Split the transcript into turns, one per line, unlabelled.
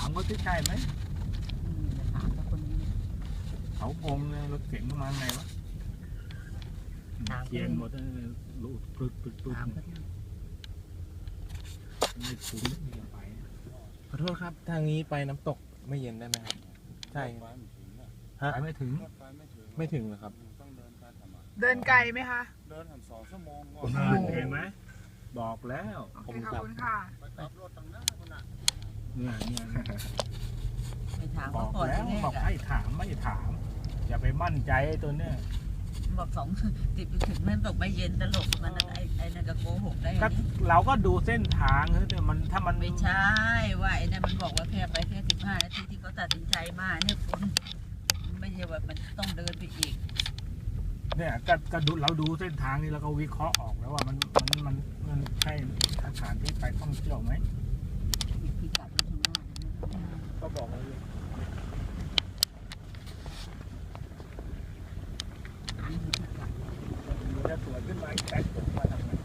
ามเขาที่ใช่ไหม
ถามกับคนนี้
เขางงเลยรถเก๋งมาไงวะเขียนหมดรูดปึก
ถามเขาที่
ไม่คุ้มไม่ไป
ขอโทษครับทางนี้ไปน้ำตกไม่เย็นได้ไหมครับใช่ฮะ
ไปไม่ถึง
ไม่ถึงเหรอครับ
ต้องเดินไปทำไม
เดินไกลไหมคะ
เดินหัน2 ชั่วโมงก่อ
โอ้
น
โหเห็นไหมบอกแล้ว
โอเคขอบคุณค่ะ
ไปขับรถตั้งหน้าคนน่ะ
เนี่ย
ไปถาม
บอ
เขา
ก
ก่อน
แล้ว
แรก
บอกให้ถามไม่ถาม อย่าไปมั่นใจตัวเนี้ย
บอก10 ถึงนั่นตกไม่เย็นตลกมันไอ้นั่นก็โกหกได้
ก็เราก็ดูเส้นทางแต่มันถ้ามัน
ไม่ใช่ว่าไอ้นั่นมันบอกว่าแค่ไปแค่15 นาทีที่เขาตัดสินใจมาเนี่ยคุณไม่ใช่ว่ามันต้องเดินไปอีก
เนี่ยก็ดูเราดูเส้นทางนี้แล้วก็วิเคราะห์ออกแล้วว่ามันใช่สถานที่ไปท่องเที่ยวไหม
พิกัดข้างหน้า
ก็บอกเลยจะสวนขึ้นมาอีกแต่ผมมาทำไม